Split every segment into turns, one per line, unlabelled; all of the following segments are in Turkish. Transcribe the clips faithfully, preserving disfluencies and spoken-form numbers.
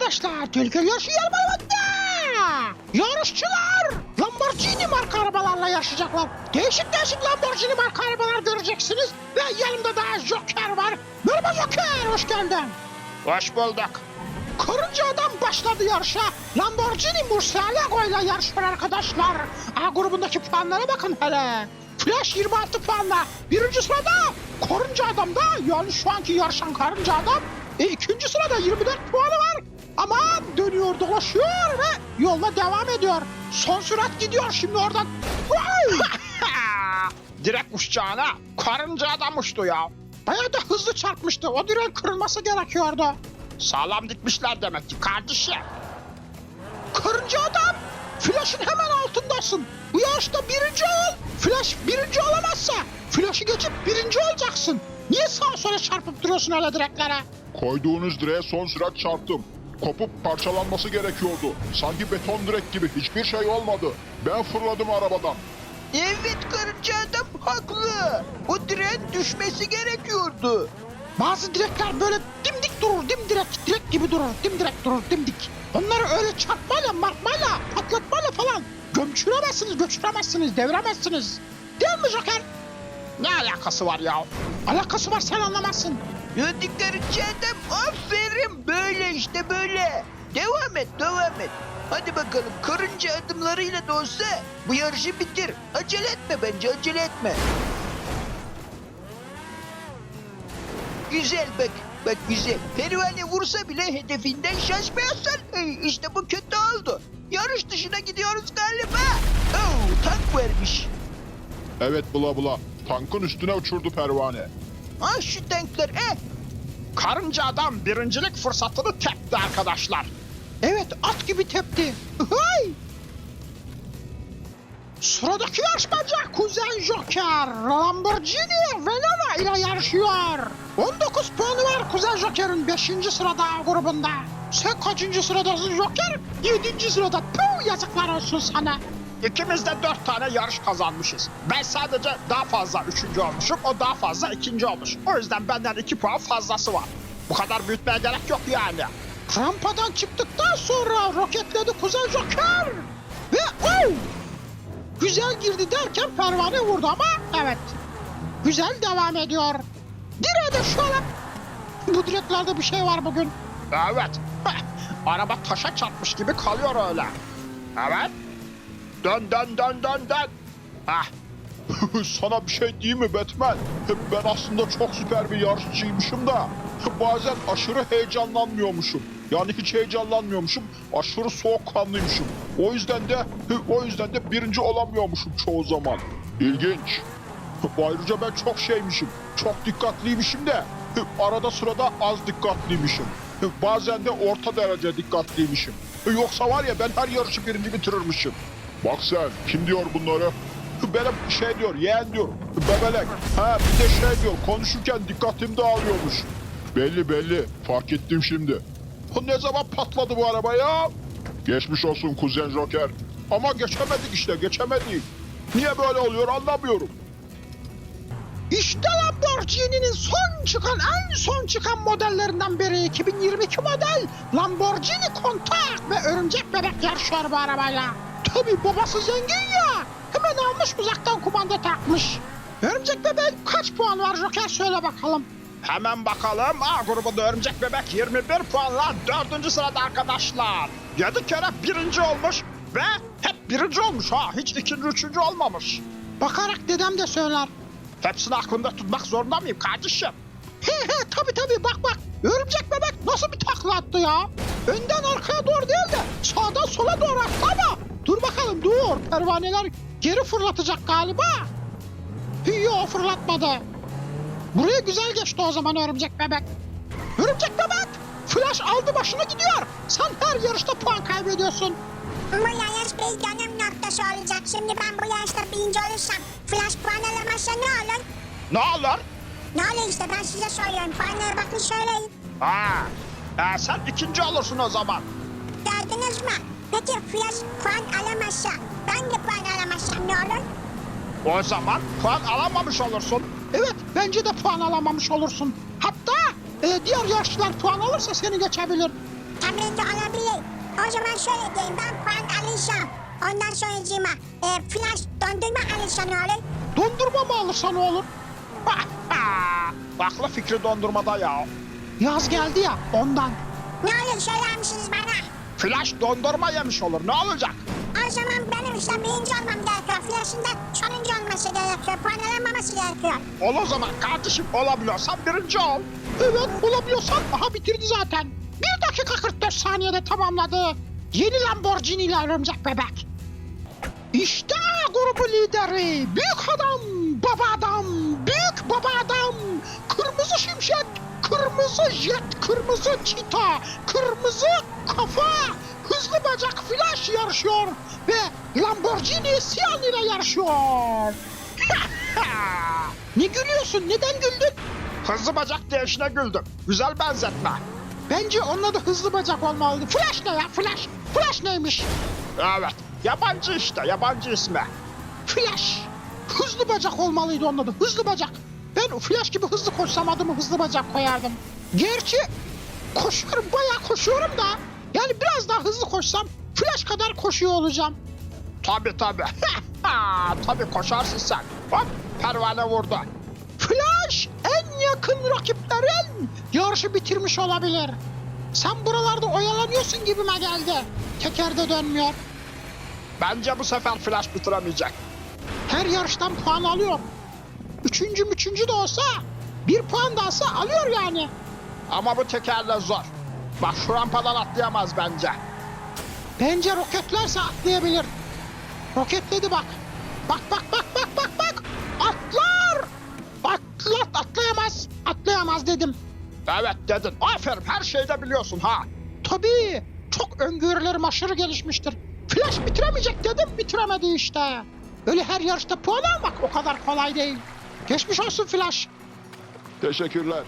arkadaşlar, tehlikeli yarışı yarışmalarında yarışçılar Lamborghini marka arabalarla yarışacaklar. Değişik değişik Lamborghini marka arabalar göreceksiniz ve yanımda da Joker var. Merhaba Joker, hoş geldin.
Hoş bulduk.
Karınca adam başladı yarışa. Lamborghini Murcielago ile yarışıyor arkadaşlar. A grubundaki puanlara bakın hele. Flash yirmi altı puanla birinci sırada, Karınca Adam'da, yani şu anki yarışan Karınca Adam e, ikinci sırada yirmi dört puanı var. Ama dönüyor dolaşıyor ve yoluna devam ediyor. Son sürat gidiyor şimdi oradan.
Direkt uçacağına Karınca Adam uçtu ya.
Bayağı da hızlı çarpmıştı. O direğin kırılması gerekiyordu.
Sağlam dikmişler demek ki kardeşim.
Karınca Adam, Flash'ın hemen altındasın. Bu yarışta birinci ol. Flash birinci olamazsa Flash'ı geçip birinci olacaksın. Niye sağa sola çarpıp duruyorsun öyle direklere?
Koyduğunuz direğe son sürat çarptım. Kopup parçalanması gerekiyordu. Sanki beton direk gibi hiçbir şey olmadı. Ben fırladım arabadan.
Evet, Karınca Adam haklı. O direğin düşmesi gerekiyordu.
Bazı direkler böyle dimdik durur, dimdirek, direk gibi durur, dimdirek durur, dimdik. Onları öyle çarpmayla, martmayla, patlatmayla falan gömçüremezsiniz, göçüremezsiniz, deviremezsiniz. Değil mi Joker?
Ne alakası var ya?
Alakası var, sen anlamazsın.
Hadi Karınca Adam, aferin, böyle işte böyle. Devam et, devam et. Hadi bakalım, karınca adımlarıyla da olsa bu yarışı bitir. Acele etme bence, acele etme. Güzel bak, bak güzel. Pervane vursa bile hedefinden şaşmıyorsun. Hey, işte bu kötü oldu. Yarış dışına gidiyoruz galiba. Oh, tank vermiş.
Evet bula bula. Tankın üstüne uçurdu pervane.
Ah şu tanklar, eh.
Karınca Adam birincilik fırsatını tepti arkadaşlar.
Evet, at gibi tepti. Hıhıy! Sıradaki yarışmacı Kuzen Joker, Lamborghini Venona ile yarışıyor. on dokuz puanı var Kuzen Joker'in beşinci sırada grubunda. Sen kaçıncı sıradasın Joker? yedinci sırada. Puh, yazıklar olsun sana.
İkimiz de dört tane yarış kazanmışız. Ben sadece daha fazla üçüncü olmuşum, o daha fazla ikinci olmuş. O yüzden benden iki puan fazlası var. Bu kadar büyütmeye gerek yok yani.
Rampadan çıktıktan sonra roketledi Kuzen Joker. Ve oh! Güzel girdi derken pervane vurdu ama evet. Güzel devam ediyor. Direğe de şöyle. Bu direklerde bir şey var bugün.
Evet. Araba taşa çarpmış gibi kalıyor öyle. Evet. Dön dön dön dön dön. Hah.
Sana bir şey diyeyim mi Batman? Ben aslında çok süper bir yarışçıymışım da bazen aşırı heyecanlanmıyormuşum. Yani hiç heyecanlanmıyormuşum. Aşırı soğukkanlıymışım. O yüzden de o yüzden de birinci olamıyormuşum çoğu zaman. İlginç. Ayrıca ben çok şeymişim. Çok dikkatliymişim de arada sırada az dikkatliymişim. Bazen de orta derece dikkatliymişim. Yoksa var ya ben her yarışı birinci bitirirmişim. Bak sen, kim diyor bunları? Benim şey diyor, yeğen diyor, bebelek. Ha bir de şey diyor, konuşurken dikkatim dağılıyormuş. Belli belli, fark ettim şimdi. Ne zaman patladı bu araba ya? Geçmiş olsun Kuzen Joker. Ama geçemedik işte, geçemedik. Niye böyle oluyor anlamıyorum.
İşte Lamborghini'nin son çıkan, en son çıkan modellerinden biri iki bin yirmi iki model Lamborghini Countach ve Örümcek Bebek yarışıyor bu arabayla. Tabii babası zengin ya, hemen almış uzaktan kumanda takmış. Örümcek Bebek kaç puan var Joker, söyle bakalım.
Hemen bakalım. A grubunda Örümcek Bebek yirmi bir puanla dördüncü sırada arkadaşlar. yedi kere birinci olmuş ve hep birinci olmuş ha. Hiç ikinci, üçüncü olmamış.
Bakarak dedem de söyler.
Hepsini aklımda tutmak zorunda mıyım kardeşim?
He he, tabii tabii, bak bak. Örümcek Bebek nasıl bir takla attı ya? Önden arkaya doğru değil de sağdan sola doğru attı ama. Dur bakalım, dur. Pervaneler geri fırlatacak galiba. Yok, fırlatmadı. Buraya güzel geçti o zaman Örümcek Bebek. Örümcek Bebek! Flash aldı başını gidiyor. Sen her yarışta puan kaybediyorsun.
Bu yarış bir dönüm noktası olacak. Şimdi ben bu yarışta birinci olursam Flash puan alamazsa ne olur?
Ne olur?
Ne olur işte, ben size söylüyorum. Puanlara bakın, söyleyin.
Ha, e, sen ikinci olursun o zaman.
Gördünüz mü? Peki Flash puan alamazsa, ben de puan alamazsam ne olur?
O zaman puan alamamış olursun.
Evet, bence de puan alamamış olursun. Hatta e, diğer yarışçılar puan alırsa seni geçebilir.
Tabii de olabilir. O zaman şöyle diyeyim, ben puan alacağım. Ondan sonracığıma e, flash dondurma alırsa ne olur?
Dondurma mı alırsa ne olur?
Aklı fikri dondurmada ya.
Yaz geldi ya ondan.
Ne olur söyler misiniz bana?
Flash dondurma yemiş olur. Ne olacak?
O zaman benim işte birinci olmam gerekiyor. Flash'ın da sonuncu olması gerekiyor. Puan alamaması gerekiyor.
Ol o zaman kardeşim, olabiliyorsan birinci ol.
Evet, olabiliyorsan aha bitirdi zaten. bir dakika kırk dört saniyede tamamladı. Yeni Lamborghini ile Örümcek Bebek. İşte grubu lideri. Büyük adam, baba adam, büyük baba adam. Kırmızı şimşek, kırmızı jet, kırmızı çita, kırmızı kafa, hızlı bacak Flash yarışıyor. Ve Lamborghini Sian ile yarışıyor. Ne gülüyorsun? Neden güldün?
Hızlı bacak değişine güldüm. Güzel benzetme.
Bence onun adı hızlı bacak olmalıydı. Flash ne ya? Flash. Flash neymiş?
Evet. Yabancı işte. Yabancı ismi.
Flash. Hızlı bacak olmalıydı onun adı. Hızlı bacak. Ben Flash gibi hızlı koşsam adımı hızlı bacak koyardım. Gerçi koşuyorum, bayağı koşuyorum da. Yani biraz daha hızlı koşsam Flash kadar koşuyor olacağım.
Tabii tabii. Tabii koşarsın sen. Hop, pervane vurdu.
Flash en yakın rakiplerin yarışı bitirmiş olabilir. Sen buralarda oyalanıyorsun gibime geldi. Teker de dönmüyor.
Bence bu sefer Flash bitiremeyecek.
Her yarıştan puan alıyor. Üçüncü üçüncü de olsa bir puan da alsa alıyor yani.
Ama bu tekerle zor. Bak şu rampadan atlayamaz bence.
Bence roketlerse atlayabilir. Roketledi bak. Bak bak bak bak bak bak. Atlar. Atlat atlayamaz. Atlayamaz dedim.
Evet dedin. Aferin, her şeyde biliyorsun ha.
Tabii. Çok öngörülerim aşırı gelişmiştir. Flash bitiremeyecek dedim, bitiremedi işte. Öyle her yarışta puan almak o kadar kolay değil. Geçmiş olsun Flash.
Teşekkürler.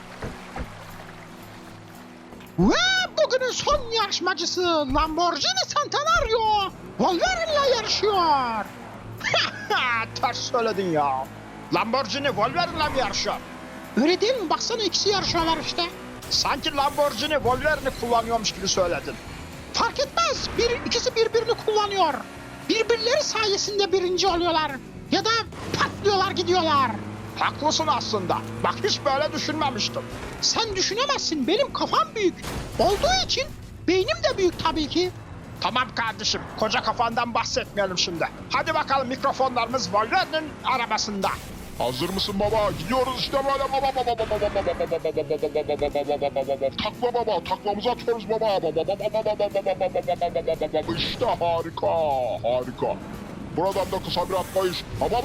Ve bugünün son yarışmacısı Lamborghini Centenario Wolverine'le yarışıyor.
Ters söyledin ya. Lamborghini Wolverine'le mi yarışıyor?
Öyle değil mi? Baksana ikisi yarışıyorlar işte.
Sanki Lamborghini Wolverine'i kullanıyormuş gibi söyledin.
Fark etmez. Bir, ikisi birbirini kullanıyor. Birbirleri sayesinde birinci oluyorlar. Ya da patlıyorlar gidiyorlar.
Haklısın aslında. Bak hiç böyle düşünmemiştim.
Sen düşünemezsin. Benim kafam büyük. Olduğu için beynim de büyük tabii ki.
Tamam kardeşim, koca kafandan bahsetmeyelim şimdi. Hadi bakalım, mikrofonlarımız Wolverine'in arabasında.
Hazır mısın baba? Gidiyoruz işte böyle baba baba baba baba baba takla baba, taklamızı atıyoruz baba. İşte harika, harika. Buradan da kısa bir atlayış.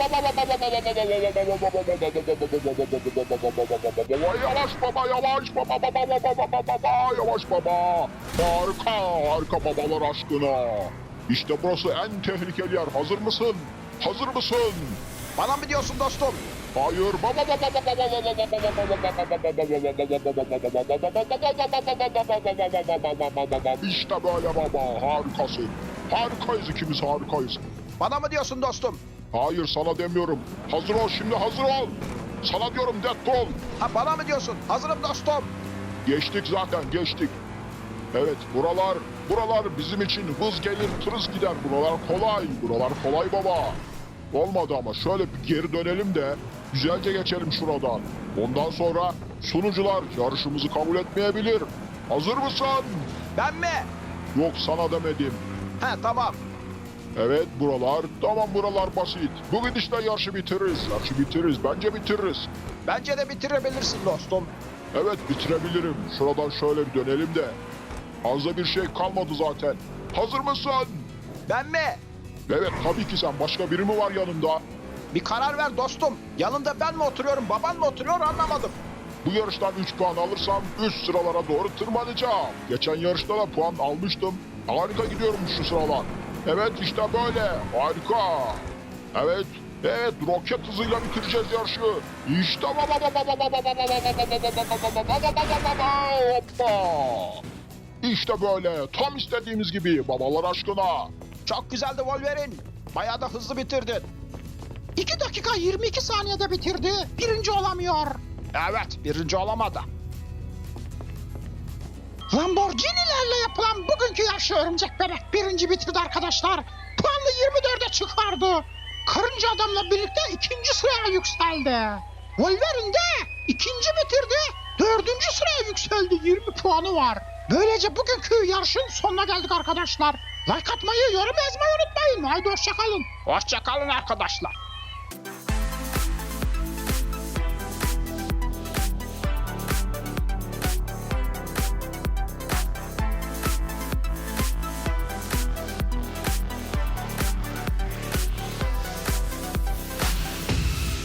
Yavaş baba, yavaş baba, baba, baba, baba, yavaş baba. Harika, harika babalar aşkına. İşte burası en tehlikeli yer. Hazır mısın? Hazır mısın?
Bana mı diyorsun dostum?
Hayır. Baba baba İşte böyle baba. Harikasın. Harikayız, ikimiz harikayız.
Bana mı diyorsun dostum?
Hayır, sana demiyorum. Hazır ol şimdi, hazır ol. Sana diyorum, Deadpool.
Ha, bana mı diyorsun? Hazırım dostum.
Geçtik zaten, geçtik. Evet, buralar, buralar bizim için hız gelir, tırız gider. Buralar kolay, buralar kolay baba. Olmadı ama şöyle bir geri dönelim de güzelce geçelim şuradan. Ondan sonra sunucular yarışımızı kabul etmeyebilir. Hazır mısın?
Ben mi?
Yok, sana demedim.
He tamam.
Evet, buralar, tamam, buralar basit. Bu gidişle yarışı bitiririz, yarışı bitiririz, bence bitiririz.
Bence de bitirebilirsin dostum.
Evet, bitirebilirim. Şuradan şöyle bir dönelim de. Fazla bir şey kalmadı zaten. Hazır mısın?
Ben mi?
Evet, tabii ki sen. Başka biri mi var yanında?
Bir karar ver dostum. Yanında ben mi oturuyorum, baban mı oturuyor anlamadım.
Bu yarıştan üç puan alırsam üst sıralara doğru tırmanacağım. Geçen yarışta da puan almıştım. Harika gidiyorum şu sıralar. Evet, işte böyle. Harika. Evet. Evet, roket hızıyla bitireceğiz yarışı. İşte hoppa. İşte böyle. Tam istediğimiz gibi babalar aşkına.
Çok güzeldi Wolverine. Bayağı da hızlı bitirdin.
iki dakika yirmi iki saniyede bitirdi. Birinci olamıyor.
Evet, birinci olamadı.
Lamborghini'lerle yarışı Örümcek Bebek birinci bitirdi arkadaşlar. Puanlı yirmi dörde çıkardı. Karınca Adam'la birlikte ikinci sıraya yükseldi. Wolverine de ikinci bitirdi. Dördüncü sıraya yükseldi. yirmi puanı var. Böylece bugünkü yarışın sonuna geldik arkadaşlar. Like atmayı, yorum yazmayı unutmayın. Haydi hoşçakalın.
Hoşçakalın arkadaşlar.